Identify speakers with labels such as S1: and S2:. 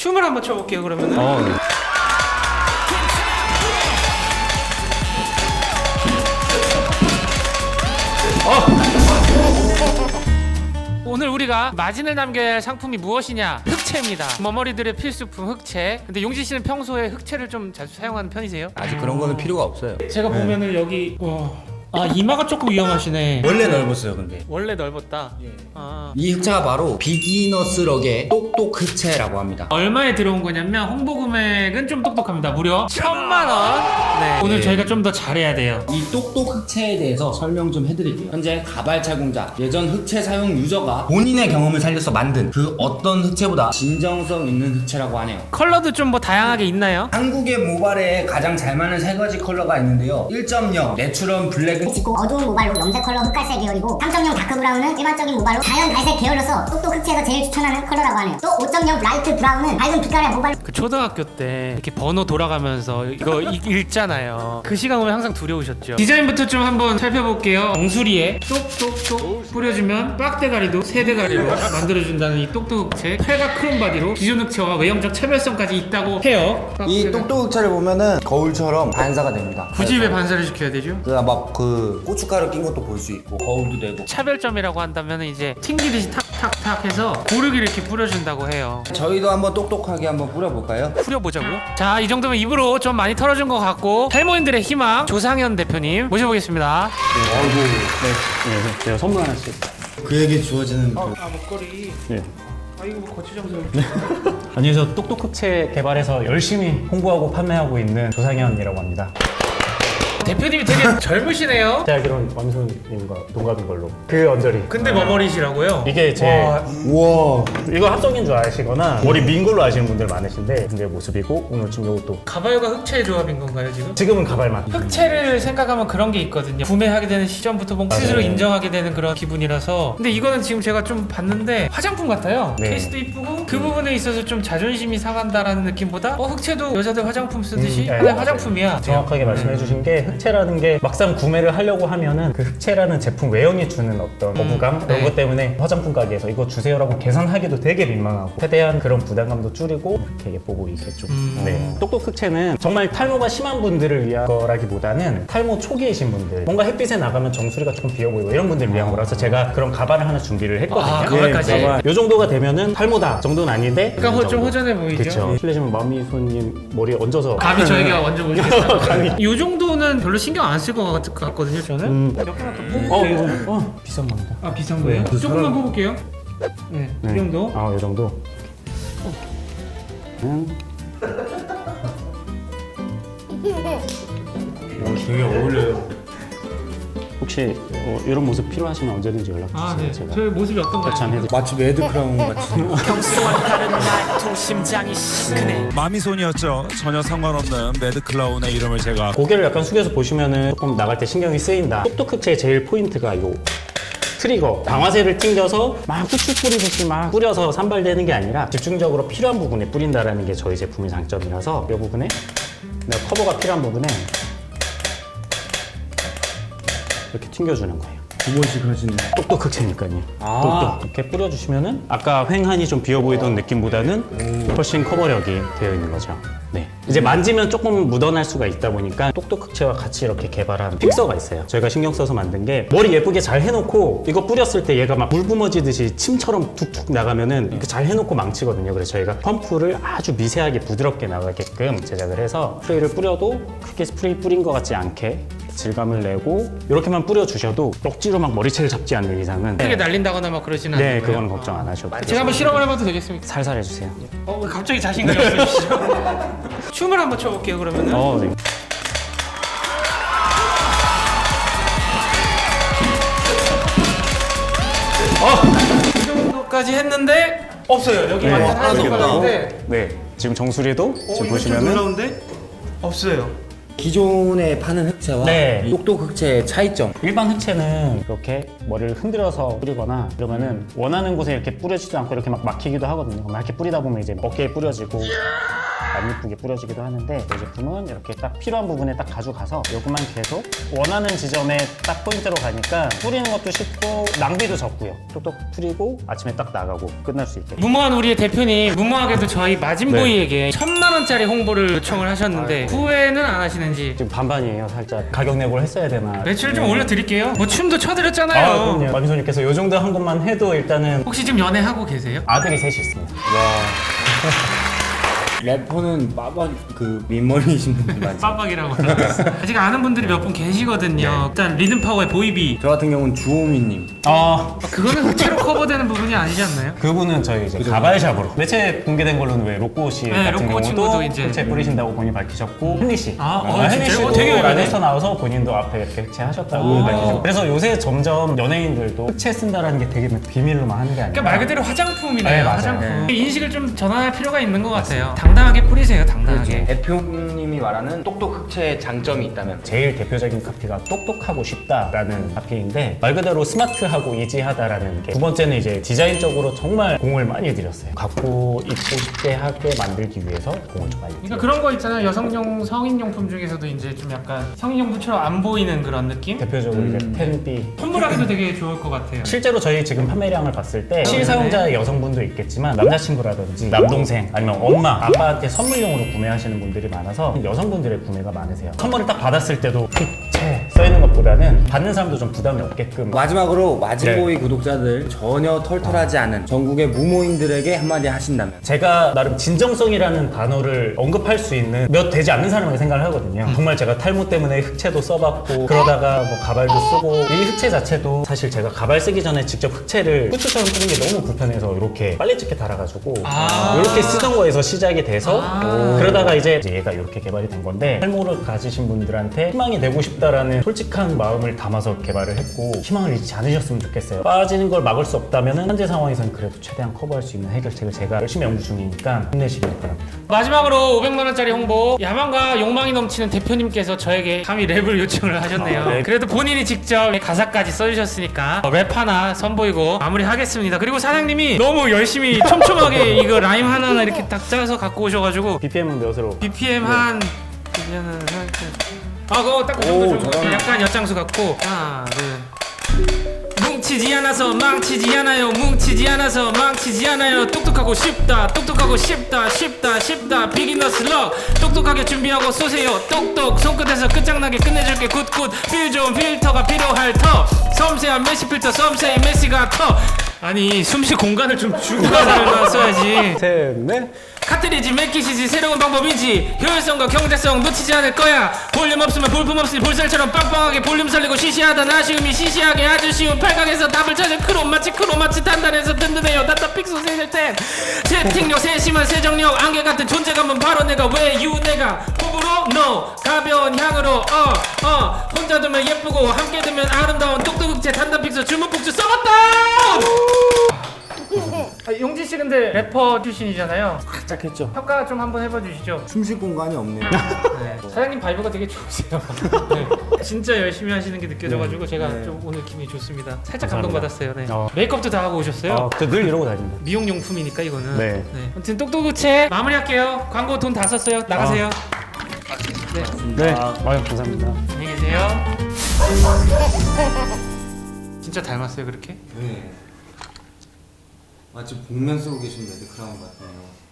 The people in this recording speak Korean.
S1: 춤을 한번 춰볼게요 그러면은.
S2: 네.
S1: 오늘 우리가 마진을 남겨야 할 상품이 무엇이냐? 흑채입니다. 머머리들의 필수품 흑채. 근데 용진 씨는 평소에 흑채를 좀 자주 사용하는 편이세요?
S2: 아직 그런 거는 필요가 없어요.
S1: 제가 보면은 여기 이마가 조금 위험하시네.
S2: 원래 넓었어요, 근데.
S1: 원래 넓었다.
S2: 이 흑채가 바로 비기너스 럭의 똑똑 흑채라고 합니다.
S1: 얼마에 들어온 거냐면 홍보 금액은 좀 똑똑합니다. 무려 1,000만 원. 네. 오늘 저희가 좀 더 잘해야 돼요.
S2: 이 똑똑 흑채에 대해서 설명 좀 해드릴게요. 현재 가발차공자, 예전 흑채 사용 유저가 본인의 경험을 살려서 만든 그 어떤 흑채보다 진정성 있는 흑채라고 하네요.
S1: 컬러도 좀 뭐 다양하게 있나요?
S2: 한국의 모발에 가장 잘 맞는 세 가지 컬러가 있는데요. 1.0 내추럴 블랙은
S3: 짙고 어두운 모발로 염색 컬러 흑갈색 계열이고 3.0 다크 브라운은 일반적인 모발로 자연 갈색 계열로서 똑똑 흑채에서 제일 추천하는 컬러라고 하네요. 또 5.0 라이트 브라운은 밝은 빛깔의 모발로
S1: 그 초등학교 때 이렇게 번호 돌아가면서 이거 읽잖아요. 그 시간 오면 항상 두려우셨죠. 디자인부터 좀 한번 살펴볼게요. 정수리에 똑똑똑 뿌려주면 빡대가리도 세대가리로 만들어준다는 이 똑똑 흑채. 팔과 크롬 바디로 기존 흑채와 외형적 차별성까지 있다고 해요.
S2: 이 똑똑 흑채를 보면은 거울처럼 반사가 됩니다.
S1: 굳이 왜 반사를 시켜야 되죠?
S2: 그 고춧가루 낀 것도 볼 수 있고 거울도 되고.
S1: 차별점이라고 한다면 이제 튕기듯이 탁탁탁 해서 고르기를 이렇게 뿌려준다고 해요.
S2: 저희도 한번 똑똑하게 한번 뿌려볼까요?
S1: 뿌려보자고요? 자, 이 정도면 입으로 좀 많이 털어준 것 같고 탈모인들의 희망 조상현 대표님 모셔보겠습니다.
S4: 네, 제가 선물 하나씩.
S2: 그에게 주어지는
S1: 목걸이.
S4: 네.
S1: 이거 뭐 거치장소로.
S4: 아니, 저 똑똑흑채 개발해서 열심히 홍보하고 판매하고 있는 조상현이라고 합니다.
S1: 대표님이 되게 젊으시네요.
S4: 제가 알기로는 왕순님과 동갑인 걸로. 그 언저리.
S1: 근데 머머리시라고요?
S4: 이게 제
S2: 우와.
S4: 이거 합성인 줄 아시거나 머리 민 걸로 아시는 분들 많으신데 근데 모습이고 오늘 지금 이것도
S1: 가발과 흑채의 조합인 건가요 지금?
S4: 지금은 가발만.
S1: 흑채를 생각하면 그런 게 있거든요. 구매하게 되는 시점부터 뭔가 스스로 인정하게 되는 그런 기분이라서. 근데 이거는 지금 제가 좀 봤는데 화장품 같아요.
S4: 네.
S1: 케이스도 이쁘고 그 부분에 있어서 좀 자존심이 상한다라는 느낌보다 흑채도 여자들 화장품 쓰듯이
S4: 네,
S1: 하나의
S4: 맞아요.
S1: 화장품이야.
S4: 정확하게 말씀해 주신 게 흑채라는 게 막상 구매를 하려고 하면은 그 흑채라는 제품 외형이 주는 어떤 거부감 그런
S1: 네.
S4: 것 때문에 화장품 가게에서 이거 주세요라고 계산하기도 되게 민망하고 최대한 그런 부담감도 줄이고 이렇게 예뻐 보이게 좀. 네. 똑똑 흑채는 정말 탈모가 심한 분들을 위한 거라기보다는 탈모 초기이신 분들 뭔가 햇빛에 나가면 정수리가 조금 비어 보이고 이런 분들을 위한 거라서 제가 그런 가발을 하나 준비를 했거든요.
S1: 가발까지?
S4: 이 정도가 되면은 탈모다 정도는 아닌데
S1: 약간 좀 허전해 보이죠?
S4: 그렇죠. 실례지만 마미손님 머리에 얹어서
S1: 감히 저희가 먼저 보시겠어요? 이 정도는 별로 신경 안 쓸 것 같거든요 저는. 몇 개만 더 뽑을게요.
S4: 비싼 겁니다.
S1: 아 비싼 거예요? 조금만 뽑을게요. 네, 이 정도.
S4: 이 정도.
S2: 되게 어울려요.
S4: 혹시 이런 모습 필요하시면 언제든지 연락 주세요.
S1: 아 네.
S4: 제가
S1: 저희 모습이 어떤가요?
S4: 참 해드릴게요.
S2: 마치 매드 크라운 같이.
S1: 평소와 다른 말투 심장이 시큰해.
S5: 마미손이었죠. 전혀 상관없는 매드클라운의 이름을 제가
S4: 고개를 약간 숙여서 보시면은 조금 나갈 때 신경이 쓰인다. 똑똑 흑채의 제일 포인트가 요 트리거 방아쇠를 튕겨서 막 후추 뿌리듯이 막 뿌려서 산발되는 게 아니라 집중적으로 필요한 부분에 뿌린다라는 게 저희 제품의 장점이라서 이 부분에 내가 커버가 필요한 부분에 이렇게 튕겨주는 거예요.
S2: 두 번씩 하시네.
S4: 똑똑 흑채니까요. 똑똑 이렇게 뿌려주시면은 아까 횡한이 좀 비어 보이던 느낌보다는 훨씬 커버력이 되어 있는 거죠. 네. 이제 만지면 조금 묻어날 수가 있다 보니까 똑똑 흑채와 같이 이렇게 개발한 픽서가 있어요. 저희가 신경 써서 만든 게 머리 예쁘게 잘 해놓고 이거 뿌렸을 때 얘가 막 물 뿜어지듯이 침처럼 툭툭 나가면은 이렇게 잘 해놓고 망치거든요. 그래서 저희가 펌프를 아주 미세하게 부드럽게 나가게끔 제작을 해서 스프레이를 뿌려도 크게 스프레이 뿌린 것 같지 않게 질감을 내고 이렇게만 뿌려주셔도 억지로 막 머리채를 잡지 않는 이상은
S1: 크게 날린다거나 막 그러지는 않아요.
S4: 네, 그거는 걱정 안 하셔도 돼요.
S1: 제가 한번 실험을 해봐도 되겠습니까?
S4: 살살 해주세요.
S1: 왜 갑자기 자신감이 없으시죠? 춤을 한번 춰볼게요 그러면은.
S4: 네.
S1: 이 정도까지 했는데 없어요. 여기 완전 하나도 없는데.
S4: 네, 지금 정수리도 지금 보시면은
S1: 놀라운데 없어요.
S2: 기존에 파는 흑채와
S4: 네.
S2: 똑똑 흑채의 차이점.
S4: 일반 흑채는 이렇게 머리를 흔들어서 뿌리거나 이러면은 원하는 곳에 이렇게 뿌려지도 않고 이렇게 막 막히기도 하거든요. 막 이렇게 뿌리다 보면 이제 어깨에 뿌려지고 안 이쁘게 뿌려지기도 하는데 이 제품은 이렇게 딱 필요한 부분에 딱 가져가서 요것만 계속 원하는 지점에 딱 포인트로 가니까 뿌리는 것도 쉽고 낭비도 적고요. 똑똑 뿌리고 아침에 딱 나가고 끝날 수 있게.
S1: 무모한 우리의 대표님 무모하게도 저희 마진보이에게 1,000만 원짜리 홍보를 요청을 하셨는데 후회는 안 하시는지.
S4: 지금 반반이에요. 살짝 가격 내고를 했어야 되나.
S1: 매출 좀 올려드릴게요. 뭐 춤도 춰드렸잖아요.
S4: 그럼요. 마미소님께서 요 정도 한 것만 해도 일단은
S1: 혹시 지금 연애하고 계세요?
S4: 아들이 셋이 있습니다.
S2: 래퍼는 빠박 그 민머리이신 분들 많죠.
S1: 빡빡이라고. 아직 아는 분들이 몇 분 계시거든요. 일단 리듬파워의 보이비.
S2: 저 같은 경우는 주호민님.
S1: 그거는 흑채로 커버되는 부분이 아니지 않나요?
S4: 그분은 저희 이제 가발샵으로 매체 공개된 걸로는 왜 로꼬 씨
S1: 네,
S4: 같은
S1: 로꼬 친구도
S4: 경우도
S1: 이제
S4: 흑채 뿌리신다고 본인 밝히셨고 헨리 씨,
S1: 진짜요?
S4: 헨리 씨도
S1: 되게 유명해.
S4: 라디오스타 나와서 본인도 앞에 이렇게 흑채 하셨다고 밝히셨고 그래서 요새 점점 연예인들도 흑채 쓴다라는 게 되게 비밀로만 하는 게 아니라
S1: 그러니까 말 그대로 화장품이네요.
S4: 네, 맞아요.
S1: 화장품. 인식을 좀 전환할 필요가 있는 것 같아요. 당당하게 뿌리세요. 당당하게.
S2: 대표님이 말하는 똑똑 흑채의 장점이 있다면
S4: 제일 대표적인 카피가 똑똑하고 쉽다라는 카피인데 말 그대로 스마트하고 이지하다라는 게 두 번째는 이제 디자인적으로 정말 공을 많이 들였어요. 갖고 입고 쉽게 하게 만들기 위해서 공을 좀 많이
S1: 그러니까
S4: 들였어요.
S1: 그런 거 있잖아요. 여성용 성인용품 중에서도 이제 좀 약간 성인용품처럼 안 보이는 그런 느낌?
S4: 대표적으로 이제 펜비
S1: 선물하기도 되게 좋을 것 같아요.
S4: 실제로 저희 지금 판매량을 봤을 때 실사용자 여성분도 있겠지만 남자친구라든지 남동생 아니면 엄마 아빠한테 선물용으로 구매하시는 분들이 많아서 여성분들의 구매가 많으세요. 선물을 딱 받았을 때도 흑채 써있는 것보다는 받는 사람도 좀 부담이 없게끔
S2: 마지막으로 마진보이 구독자들 전혀 털털하지 않은 전국의 무모인들에게 한마디 하신다면
S4: 제가 나름 진정성이라는 단어를 언급할 수 있는 몇 되지 않는 사람이라고 생각을 하거든요. 정말 제가 탈모 때문에 흑채도 써봤고 그러다가 뭐 가발도 쓰고 이 흑채 자체도 사실 제가 가발 쓰기 전에 직접 흑채를 후추처럼 쓰는 게 너무 불편해서 이렇게 빨리 찍게 달아가지고 이렇게 쓰던 거에서 시작이 돼서 그러다가 이제 얘가 이렇게 개발이 된 건데 탈모를 가지신 분들한테 희망이 되고 싶다라는 솔직한 마음을 담아서 개발을 했고 희망을 잃지 않으셨으면 좋겠어요. 빠지는 걸 막을 수 없다면 현재 상황에서는 그래도 최대한 커버할 수 있는 해결책을 제가 열심히 연구 중이니까 힘내시길 바랍니다.
S1: 마지막으로 500만 원짜리 홍보. 야망과 욕망이 넘치는 대표님께서 저에게 감히 랩을 요청을 하셨네요.
S4: 랩.
S1: 그래도 본인이 직접 가사까지 써주셨으니까 랩 하나 선보이고 마무리하겠습니다. 그리고 사장님이 너무 열심히 촘촘하게 이거 라임 하나하나 이렇게 딱 짜서 갖고 오셔가지고
S4: BPM은 몇으로?
S1: BPM 한 그거 딱 그 정도 좀
S2: 잘하네.
S1: 약간 엿장수 같고 하나 둘 뭉치지 않아서 망치지 않아요. 뭉치지 않아서 망치지 않아요. 똑똑하고 쉽다. 똑똑하고 쉽다. 쉽다. 쉽다. 비기너스 럭. 똑똑하게 준비하고 쏘세요. 똑똑 손끝에서 끝장나게 끝내줄게. 굿굿 필 좋은 필터가 필요할 터. 섬세한 메시 필터 섬세한 메시가 터. 아니 숨쉬 공간을 좀 주고 가서 써야지.
S4: 셋, 넷.
S1: 카트리지 맥기시지 새로운 방법이지 효율성과 경제성 놓치지 않을 거야. 볼륨 없으면 볼품 없으니 볼살처럼 빵빵하게 볼륨 살리고 시시하단 아쉬움이 시시하게 아주 쉬운 팔각에서 답을 찾은 크로마치 단단해서 든든해요. 단단 픽소 세질 땐 채팅력 세심한 세정력 안개 같은 존재감은 바로 내가 왜유 내가 호불호 no 가벼운 향으로 혼자 두면 예쁘고 함께 두면 아름다운 똑똑흑채 단단 픽소 주문 폭주 써봤다. 용진 씨 근데 래퍼 출신이잖아요.
S2: 살짝 했죠.
S1: 평가 좀 한번 해봐 주시죠.
S2: 숨쉴 공간이 없네요.
S1: 네. 사장님 바이브가 되게 좋으세요. 네. 진짜 열심히 하시는 게 느껴져가지고 제가 좀 오늘 기분이 좋습니다. 살짝
S4: 감사합니다.
S1: 감동받았어요. 네.
S4: 어.
S1: 메이크업도 다 하고 오셨어요?
S4: 저 늘 이러고 다닙니다.
S1: 미용용품이니까 이거는.
S4: 네.
S1: 아무튼 똑똑우체 마무리할게요. 광고 돈 다 썼어요. 나가세요.
S4: 네, 감사합니다.
S1: 안녕히 계세요. 진짜 닮았어요 그렇게?
S2: 네. 마치 복면 쓰고 계신 레드 크라운 같네요.